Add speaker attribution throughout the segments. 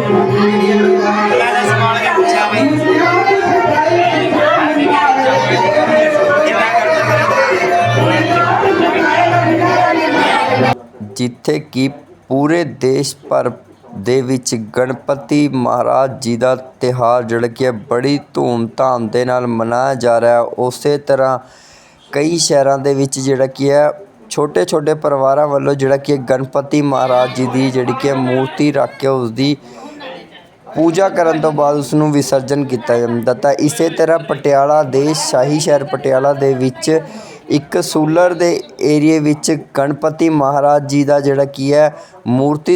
Speaker 1: ਜਿੱਥੇ ਕਿ ਪੂਰੇ ਦੇਸ਼ ਭਰ ਦੇ ਵਿੱਚ ਗਣਪਤੀ ਮਹਾਰਾਜ ਜੀ ਦਾ ਤਿਉਹਾਰ ਜਿਹੜਾ ਕਿ ਬੜੀ ਧੂਮ-ਧਾਮ ਦੇ ਨਾਲ ਮਨਾਇਆ ਜਾ ਰਿਹਾ। ਉਸੇ ਤਰ੍ਹਾਂ ਕਈ ਸ਼ਹਿਰਾਂ ਦੇ ਵਿੱਚ ਜਿਹੜਾ ਕੀ ਹੈ ਛੋਟੇ ਪਰਿਵਾਰਾਂ ਵੱਲੋਂ ਜਿਹੜਾ ਕਿ ਗਣਪਤੀ ਮਹਾਰਾਜ ਜੀ ਦੀ ਜਿਹੜੀ ਕਿ ਮੂਰਤੀ ਰੱਖ ਕੇ ਉਸਦੀ ਪੂਜਾ ਕਰਨ ਤੋਂ ਬਾਅਦ ਉਸ ਨੂੰ ਵਿਸਰਜਨ ਕੀਤਾ ਜਾਂਦਾ। ਤਾਂ ਇਸੇ ਤਰ੍ਹਾਂ ਪਟਿਆਲਾ ਦੇ ਸ਼ਾਹੀ ਸ਼ਹਿਰ ਪਟਿਆਲਾ ਦੇ ਵਿੱਚ ਇੱਕ ਸੂਲਰ ਦੇ ਏਰੀਏ ਵਿੱਚ ਗਣਪਤੀ ਮਹਾਰਾਜ ਜੀ ਦਾ ਜਿਹੜਾ ਕੀ ਹੈ ਮੂਰਤੀ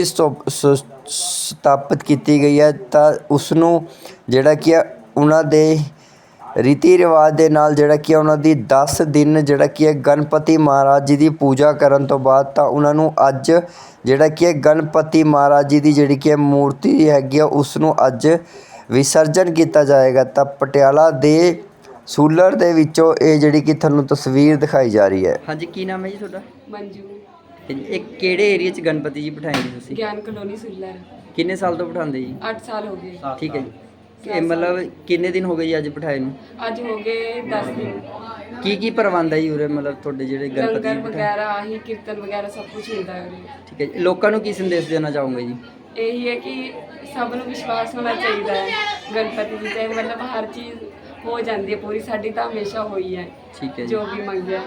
Speaker 1: ਸਥਾਪਿਤ ਕੀਤੀ ਗਈ ਹੈ। ਤਾਂ ਉਸ ਨੂੰ ਜਿਹੜਾ ਕੀ ਹੈ ਉਹਨਾਂ ਦੇ ਰੀਤੀ ਰਿਵਾਜ ਦੇ ਨਾਲ ਜਿਹੜਾ ਕੀ ਉਹਨਾਂ ਦੀ 10 ਦਿਨ ਜਿਹੜਾ ਕੀ ਹੈ ਗਣਪਤੀ ਮਹਾਰਾਜ ਜੀ ਦੀ ਪੂਜਾ ਕਰਨ ਤੋਂ ਬਾਅਦ ਤਾਂ ਉਹਨਾਂ ਨੂੰ ਅੱਜ ਜਿਹੜਾ ਕੀ ਹੈ ਗਣਪਤੀ ਮਹਾਰਾਜ ਜੀ ਦੀ ਜਿਹੜੀ ਕਿ ਮੂਰਤੀ ਹੈਗੀ ਆ ਉਸ ਨੂੰ ਅੱਜ ਵਿਸਰਜਨ ਕੀਤਾ ਜਾਏਗਾ। ਤਾਂ ਪਟਿਆਲਾ ਦੇ ਸੂਲਰ ਦੇ ਵਿੱਚੋਂ ਇਹ ਜਿਹੜੀ ਕਿ ਤੁਹਾਨੂੰ ਤਸਵੀਰ ਦਿਖਾਈ ਜਾ ਰਹੀ ਹੈ।
Speaker 2: ਹਾਂਜੀ, ਕੀ ਨਾਮ ਹੈ ਜੀ ਤੁਹਾਡਾ?
Speaker 3: ਮੰਜੂ।
Speaker 2: ਇਹ ਕਿਹੜੇ ਏਰੀਆ 'ਚ ਗਣਪਤੀ ਜੀ ਬਿਠਾਏ ਨੇ ਤੁਸੀਂ?
Speaker 3: ਗਿਆਨ ਕਲੋਨੀ ਸੂਲਰ।
Speaker 2: ਕਿੰਨੇ ਸਾਲ ਤੋਂ ਬਿਠਾਉਂਦੇ ਜੀ?
Speaker 3: 8 ਸਾਲ ਹੋ ਗਏ।
Speaker 2: ਠੀਕ ਹੈ ਜੀ। ਇਹ ਮਤਲਬ ਕਿੰਨੇ ਦਿਨ ਹੋ ਗਏ ਜੀ ਅੱਜ ਬਿਠਾਏ ਨੂੰ?
Speaker 3: ਅੱਜ ਹੋ ਗਏ 10 ਦਿਨ।
Speaker 2: ਕੀ ਪ੍ਰਬੰਧ ਹੈ ਜੀ ਉਰੇ ਮਤਲਬ ਤੁਹਾਡੇ ਜਿਹੜੇ ਗਣਪਤੀ
Speaker 3: ਲੰਗਰ
Speaker 2: ਜੀ
Speaker 3: ਵਗੈਰਾ ਆਹੀ ਕੀਰਤਨ ਵਗੈਰਾ ਸਭ ਕੁਝ ਹੁੰਦਾ ਹੈ ਉਰੇ।
Speaker 2: ਠੀਕ ਹੈ ਜੀ। ਲੋਕਾਂ ਨੂੰ ਕੀ ਸੰਦੇਸ਼ ਦੇਣਾ ਚਾਹੋਗੇ ਜੀ?
Speaker 3: ਇਹੀ ਹੈ ਕਿ ਸਭ ਨੂੰ ਵਿਸ਼ਵਾਸ ਹੋਣਾ ਚਾਹੀਦਾ ਹੈ ਗਣਪਤੀ ਜੀ ਤੇ, ਮਤਲਬ ਹਰ ਚੀਜ਼ ਹੋ ਜਾਂਦੀ ਹੈ ਪੂਰੀ। ਸਾਡੀ ਤਾਂ ਹਮੇਸ਼ਾ ਹੋਈ ਹੈ।
Speaker 2: ਠੀਕ ਹੈ ਜੀ।
Speaker 3: ਜੋ ਵੀ ਮੰਗਿਆ।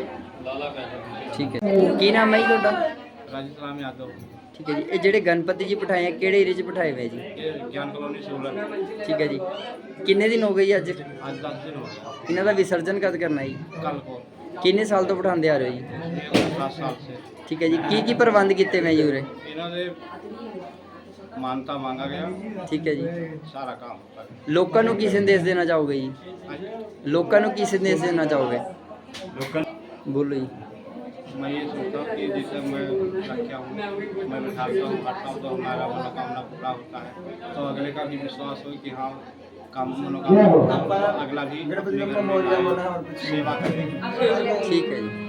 Speaker 2: ਠੀਕ ਹੈ। ਕੀ ਨਾਮ ਹੈ ਜੀ ਤੁਹਾਡਾ?
Speaker 4: ਰਾਜਸਥਾਨ यादव।
Speaker 2: ਠੀਕ ਹੈ ਜੀ। ਇਹ ਜਿਹੜੇ ਗਣਪਤੀ ਜੀ ਬਿਠਾਏ ਆ ਕਿਹੜੇ ਏਰੀਆ 'ਚ ਬਿਠਾਏ ਹੋਏ ਜੀ?
Speaker 4: ज्ञान कॉलोनी सूलर।
Speaker 2: ਠੀਕ ਹੈ ਜੀ। ਕਿੰਨੇ ਦਿਨ ਹੋ ਗਏ ਜੀ ਅੱਜ?
Speaker 4: आज 10 दिन हो गए।
Speaker 2: ਇਹਨਾਂ ਦਾ ਵਿਸਰਜਨ ਕਦ ਕਰਨਾ ਜੀ?
Speaker 4: कल को।
Speaker 2: ਕਿੰਨੇ ਸਾਲ ਤੋਂ ਬਿਠਾਉਂਦੇ ਆ ਰਹੇ ਹੋ ਜੀ?
Speaker 4: 7 साल से।
Speaker 2: ਠੀਕ ਹੈ ਜੀ। ਕੀ ਪ੍ਰਬੰਧ ਕੀਤੇ ਹੋਏ ਜੀ ਉਰੇ?
Speaker 4: इन्होंने मानता मांगा गया।
Speaker 2: ਠੀਕ ਹੈ ਜੀ।
Speaker 4: सारा काम होता है।
Speaker 2: ਲੋਕਾਂ ਨੂੰ ਕੀ ਸੰਦੇਸ਼ ਦੇਣਾ ਚਾਹੋਗੇ ਜੀ? ਲੋਕਾਂ ਨੂੰ ਕੀ ਸੰਦੇਸ਼ ਦੇਣਾ ਚਾਹੋਗੇ? ਬੋਲੋ ਜੀ।
Speaker 4: मैं ये सोचता हूँ कि जैसे मैं रखा हूँ, मैं बैठाता हूँ हटता हूँ तो हमारा मनोकामना पूरा होता है। तो अगले का भी विश्वास हो कि हाँ काम मनोकामना अगला भी अपने घर में सेवा करें।
Speaker 2: ठीक है जी।